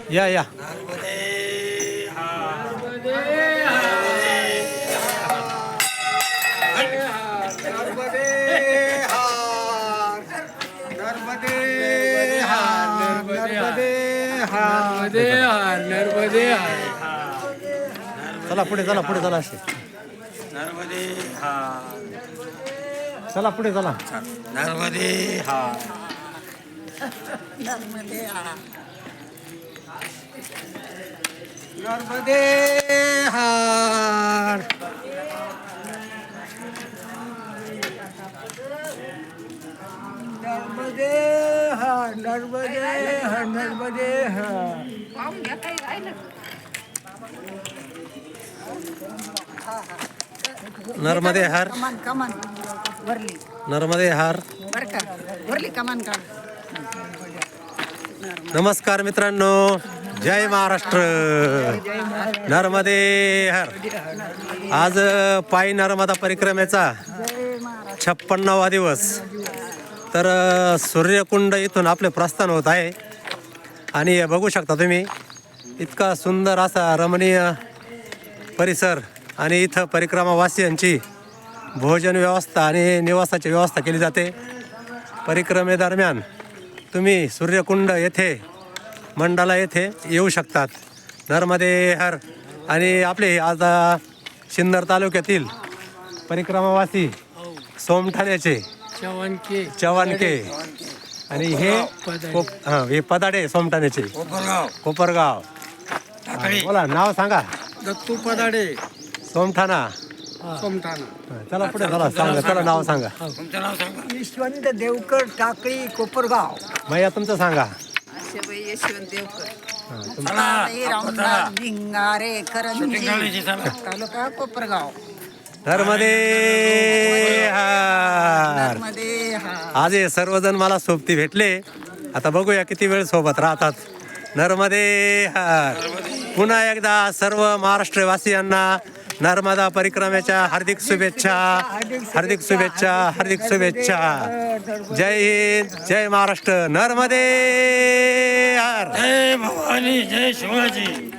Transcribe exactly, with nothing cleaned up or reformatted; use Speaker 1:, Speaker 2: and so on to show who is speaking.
Speaker 1: या या चला पुढे चला पुढे चला असे
Speaker 2: नर्मदे हा
Speaker 1: चला पुढे चला
Speaker 2: नर्मदे हा
Speaker 3: नर्मदे
Speaker 1: नर्मदे हार नर्मदे हार नर्मदे हार नर्मदे हार नर्मदे हार
Speaker 3: कमान कमान वरली
Speaker 1: नर्मदे हार
Speaker 3: बर का वरली कमान काढ.
Speaker 1: नमस्कार मित्रांनो, जय महाराष्ट्र. नर्मदे हर. आज पायी नर्मदा परिक्रमेचा छप्पन्नावा दिवस. तर सूर्यकुंड इथून आपले प्रस्थान होत आहे आणि बघू शकता तुम्ही इतका सुंदर असा रमणीय परिसर आणि इथं परिक्रमावासियांची भोजन व्यवस्था आणि निवासाची व्यवस्था केली जाते. परिक्रमेदरम्यान तुम्ही सूर्यकुंड येथे मंडाला येथे येऊ शकतात. नर्मदे हर. आणि आपले आज सिन्नर तालुक्यातील परिक्रमावासी सोमठाण्याचे
Speaker 4: चव्हाणके
Speaker 1: चव्हाणके आणि हे कोप हां हे पदाडे सोमठाण्याचे
Speaker 2: कोपरगाव
Speaker 1: कोपरगाव.
Speaker 2: टाकळी
Speaker 1: बोला नाव सांगा.
Speaker 4: दत्तू पदाडे
Speaker 1: सोमठाणा.
Speaker 4: सोमठाणा.
Speaker 1: चला पुढे चला सांगा चला नाव सांगा.
Speaker 2: तुमचं नाव सांगा.
Speaker 3: यशवंत देवकर टाकळी कोपरगाव.
Speaker 1: भैया तुमचं सांगा.
Speaker 3: आशेबाई यशवंत देवकर.
Speaker 1: हां, तुम-
Speaker 2: चला
Speaker 3: रामदास भिंगारे करंजी
Speaker 2: शिंगाळीची चला.
Speaker 3: तालुका कोपरगाव.
Speaker 1: नर्मदे हर.
Speaker 3: नर्मदे हा
Speaker 1: आज हे सर्वजण मला सोबती भेटले. आता बघूया किती वेळ सोबत राहतात. नर्मदे हर. पुन्हा एकदा सर्व महाराष्ट्रवासियांना नर्मदा परिक्रमेच्या हार्दिक शुभेच्छा हार्दिक शुभेच्छा हार्दिक शुभेच्छा. जय हिंद जय महाराष्ट्र. नर्मदे हर.
Speaker 2: जय भवानी जय शिवाजी.